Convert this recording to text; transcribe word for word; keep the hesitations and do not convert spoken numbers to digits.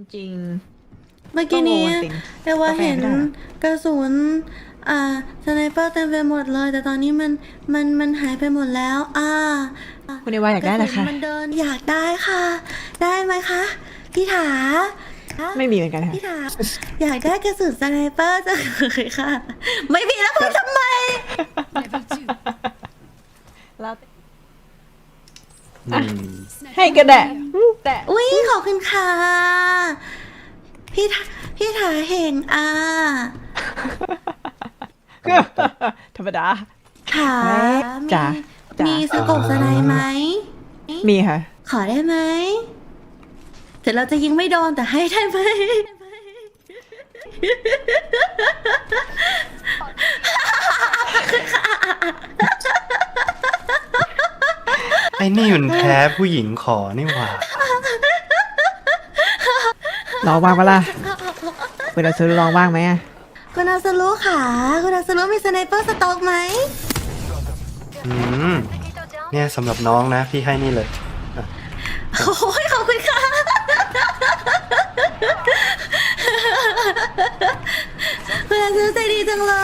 จริงเมื่อกี้นี้ก็โง่จริงเอว่าเห็นกาแฟไม่ได้เหรอกระสุนอ่าสไนเปอร์เต็มไปหมดเลย แต่ตอนนี้มันมันมันหายไปหมดแล้วอ่าคุณเอวาอยากได้เหรอคะกสุนมันเดินอยากได้ค่ะ ได้ไหมคะพี่ถาไม่มีเหมือนกันค่ะพี่ถาอยากได้กระสุนสไนเปอร์จังเลยค่ะ ไม่มีแล้วพูดทำไมแล้วอืมให้ก็ได้แต่อุ้ยขอบคุณค่ะ พี่ถาพี่ถาเห็นอ่าธรรมดาถาเฮ้ยมีจ๋าจ๋ามีมีสกบสไนไหมมีค่ะขอได้ไหมแต่เราจะยิงไม่โดนแต่ให้ได้ไหมไอ้นี่มันแพ้ผู้หญิงขอนี่หว่าลองบ้างปะล่ะเวลาซื้อลองบ้างไหมอะคุณอาสรุค่ะ คุณอาสรุมีสไนเปอร์สต็อกไหมอืม เนี่ยสำหรับน้องนะ พี่ให้นี่เลยโอ้ยขอบคุณค่ะ คุณอาสรุใจดีจังเลย